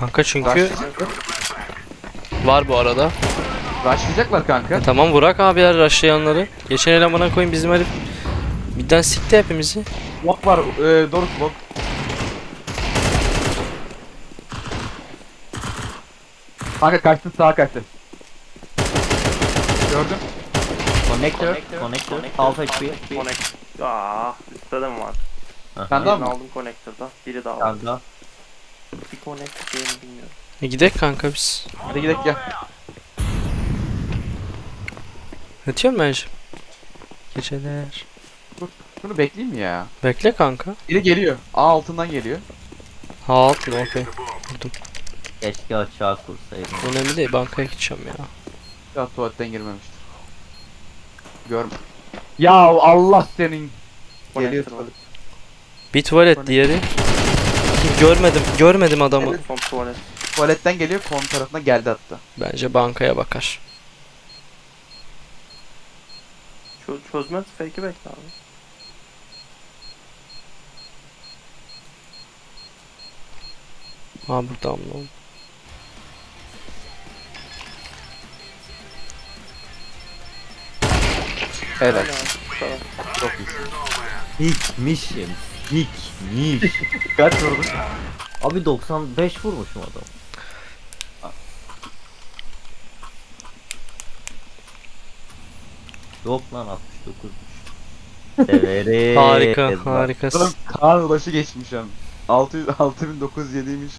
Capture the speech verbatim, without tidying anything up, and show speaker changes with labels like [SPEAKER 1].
[SPEAKER 1] Kanka çünkü
[SPEAKER 2] Rushlayacaklar.
[SPEAKER 1] var bu arada.
[SPEAKER 2] Rushlayacaklar kanka.
[SPEAKER 1] E tamam Burak abiler rushlayanları. Geçen elemana koyun bizim herif. Birden sikti hepimizi.
[SPEAKER 2] Bot var. E, Doruk bot. Kanka kaçtın, sağa kaçtın. Gördüm.
[SPEAKER 3] Connector, connector, half H P.
[SPEAKER 4] Connect. Aa, üstte de mi var?
[SPEAKER 2] Sen de
[SPEAKER 4] Birini
[SPEAKER 2] alma.
[SPEAKER 4] aldım connector'da. Biri daha var.
[SPEAKER 3] Kanka.
[SPEAKER 4] Bir connector diyelim bilmiyorum.
[SPEAKER 1] E gidek kanka biz.
[SPEAKER 2] Hadi gidelim gel.
[SPEAKER 1] Yatıyorum bence. Geceler.
[SPEAKER 2] Şunu bekleyeyim mi ya?
[SPEAKER 1] Bekle kanka.
[SPEAKER 2] Biri geliyor. A altından geliyor.
[SPEAKER 1] Ha altın okey.
[SPEAKER 3] Keşke açığa kursaydım.
[SPEAKER 1] Önemli değil, bankaya gideceğim ya.
[SPEAKER 2] Ya tuvaletten girmemiştir. Görme. Ya Allah senin. Geliyor
[SPEAKER 4] Connector var.
[SPEAKER 2] tuvalet.
[SPEAKER 1] Bir tuvalet, diğeri. Görmedim, görmedim adamı.
[SPEAKER 4] Son tuvalet.
[SPEAKER 2] Tuvaletten geliyor, kon tarafına geldi hatta.
[SPEAKER 1] Bence bankaya bakar.
[SPEAKER 4] Çö çözmez fake'i bekle abi.
[SPEAKER 1] Ha buradan mı?
[SPEAKER 2] Evet.
[SPEAKER 4] Helal, tamam.
[SPEAKER 2] Çok iyi.
[SPEAKER 3] Dikmişim. Dikmiş.
[SPEAKER 2] Kaç vurdun?
[SPEAKER 3] Abi doksan beş vurmuşum adam. Yok lan altmış dokuzmuş. Severim.
[SPEAKER 1] Harika,
[SPEAKER 2] Oğlum
[SPEAKER 1] harikasın.
[SPEAKER 2] Kaan ulaşı geçmiş hem. altı yüz altı bin dokuz yüz yediymiş.